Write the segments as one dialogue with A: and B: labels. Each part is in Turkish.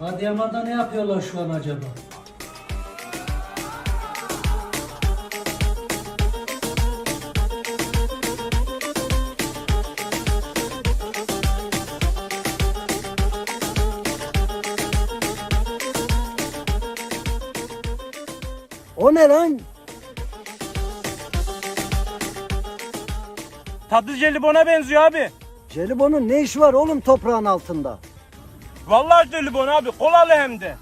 A: Adıyaman'da ne yapıyorlar şu an acaba?
B: O ne lan?
C: Tatlı jelibona benziyor abi.
B: Jelibonun ne işi var oğlum toprağın altında?
C: Vallahi jelibon abi, kolalı hem de.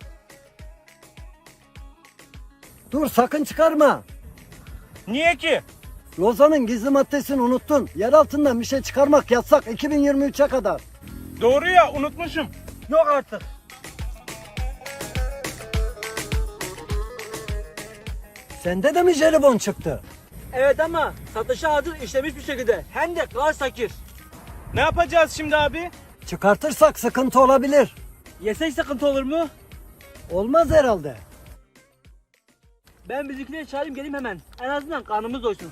B: Dur sakın çıkarma.
C: Niye ki?
B: Lozan'ın gizli maddesini unuttun. Yer altından bir şey çıkarmak yasak 2023'e kadar.
C: Doğru ya, unutmuşum. Yok artık.
B: Sende de mi jelibon çıktı?
D: Evet ama satışa hazır işlemiş bir şekilde. Hem de kar sakir.
C: Ne yapacağız şimdi abi?
B: Çıkartırsak sıkıntı olabilir.
D: Yesek sıkıntı olur mu?
B: Olmaz herhalde.
D: Ben bizimkileri çağırayım geleyim hemen. En azından karnımız doysun.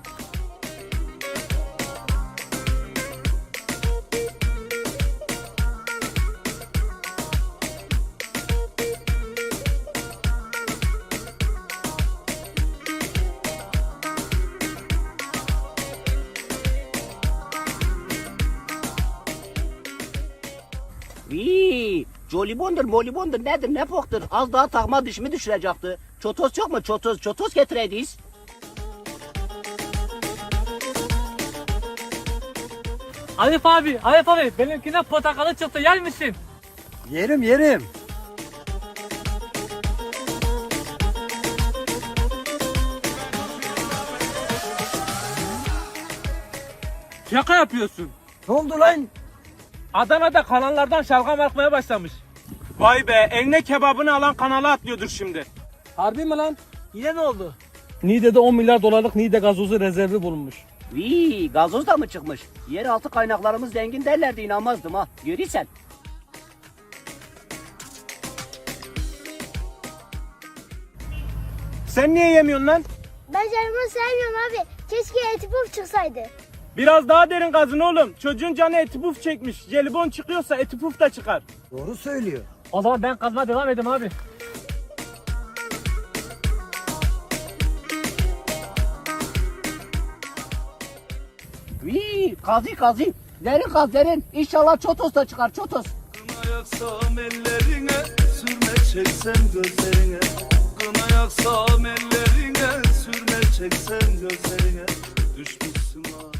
E: Vii, jolibondur molibondur nedir ne poktur. Az daha takma dişimi düşürecekti. Çotos yok mu çotos? Çotos getireydiz.
D: Arif abi benimkine portakalı çıktı yer misin?
B: Yerim yerim.
C: Şaka yapıyorsun.
B: Ne oldu lan?
C: Adana'da kanallardan şalgam akmaya başlamış. Vay be, eline kebabını alan kanala atlıyordur şimdi.
D: Harbi mi lan? Yine ne oldu? Niğde'de 10 milyar dolarlık Niğde gazozu rezervi bulunmuş.
E: Vii, gazoz da mı çıkmış? Yeraltı kaynaklarımız zengin derlerdi inanmazdım ha. Görürsen.
C: Sen niye yemiyorsun lan?
F: Ben jelibon sevmiyorum abi. Keşke eti puf çıksaydı.
C: Biraz daha derin kazın oğlum. Çocuğun canı eti puf çekmiş. Jelibon çıkıyorsa eti puf da çıkar.
B: Doğru söylüyor.
D: O zaman ben kazmaya devam edeyim abi.
E: Vii, kazı. Derin kaz derin. İnşallah çotos da çıkar çotos.
G: Kına yaksam ellerine, sürme çeksem gözlerine. Kına yaksam ellerine, sürme çeksem gözlerine. Düşmüşsün ha.